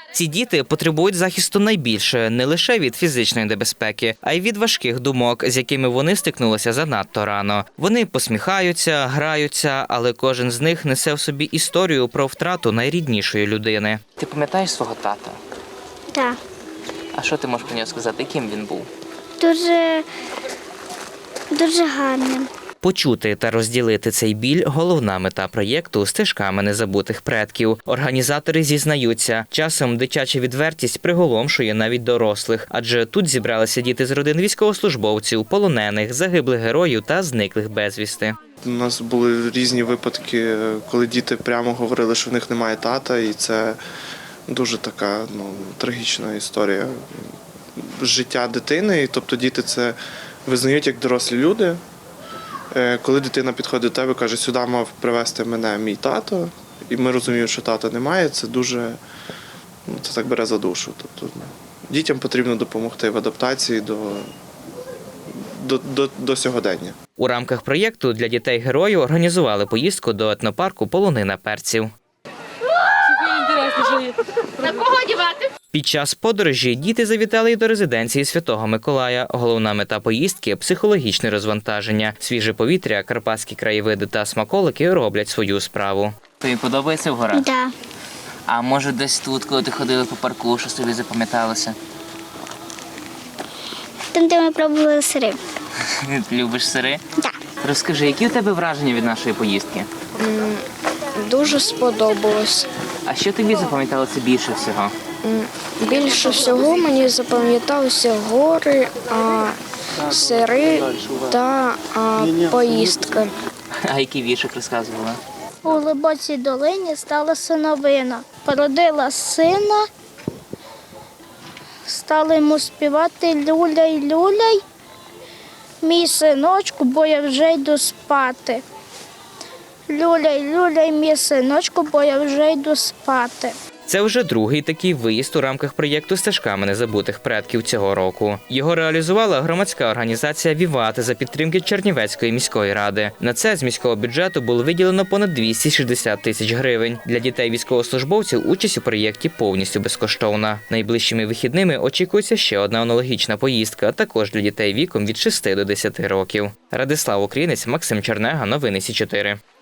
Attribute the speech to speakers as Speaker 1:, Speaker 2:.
Speaker 1: Ці діти потребують захисту найбільше не лише від фізичної небезпеки, а й від важких думок, з якими вони стикнулися занадто рано. Вони посміхаються, граються, але кожен з них несе в собі історію про втрату найріднішої людини. Ти пам'ятаєш свого тата?
Speaker 2: Так.
Speaker 1: А що ти можеш про нього сказати? Ким він був?
Speaker 2: Дуже гарним.
Speaker 1: Почути та розділити цей біль – головна мета проєкту «Стежками незабутих предків». Організатори зізнаються, часом дитяча відвертість приголомшує навіть дорослих, адже тут зібралися діти з родин військовослужбовців, полонених, загиблих героїв та зниклих безвісти.
Speaker 3: У нас були різні випадки, коли діти прямо говорили, що в них немає тата, і це дуже така трагічна історія життя дитини. Тобто діти це визнають як дорослі люди. Коли дитина підходить до тебе і каже, сюди мав привезти мене мій тато, і ми розуміємо, що тата немає, це дуже, це так бере за душу. Тобто дітям потрібно допомогти в адаптації до сьогодення.
Speaker 1: У рамках проєкту для дітей-героїв організували поїздку до етнопарку «Полонина перців».
Speaker 4: На кого дівати?
Speaker 1: Під час подорожі діти завітали й до резиденції Святого Миколая. Головна мета поїздки – психологічне розвантаження. Свіже повітря, карпатські краєвиди та смаколики роблять свою справу. Тобі подобається в горах?
Speaker 2: Так.
Speaker 1: А може десь тут, коли ти ходила по парку, що тобі запам'яталося?
Speaker 2: Там, де ми пробували сири.
Speaker 1: Любиш сири?
Speaker 2: Так.
Speaker 1: Розкажи, які у тебе враження від нашої поїздки?
Speaker 5: Дуже сподобалось.
Speaker 1: А що тобі запам'яталося більше всього?
Speaker 5: Більше всього мені запам'яталися гори, сири та поїздка.
Speaker 1: А який віршик розказувала?
Speaker 2: У глибокій долині стала синовина. Породила сина, стали йому співати люляй, люляй, мій синочку, бо я вже йду спати. Люляй, люляй, мій синочку, бо я вже йду спати.
Speaker 1: Це вже другий такий виїзд у рамках проєкту «Стежками незабутих предків» цього року. Його реалізувала громадська організація «Віват» за підтримки Чернівецької міської ради. На це з міського бюджету було виділено понад 260 тисяч гривень. Для дітей-військовослужбовців участь у проєкті повністю безкоштовна. Найближчими вихідними очікується ще одна аналогічна поїздка, також для дітей віком від 6 до 10 років. Радислав Українець, Максим Чернега, новини Сі 4.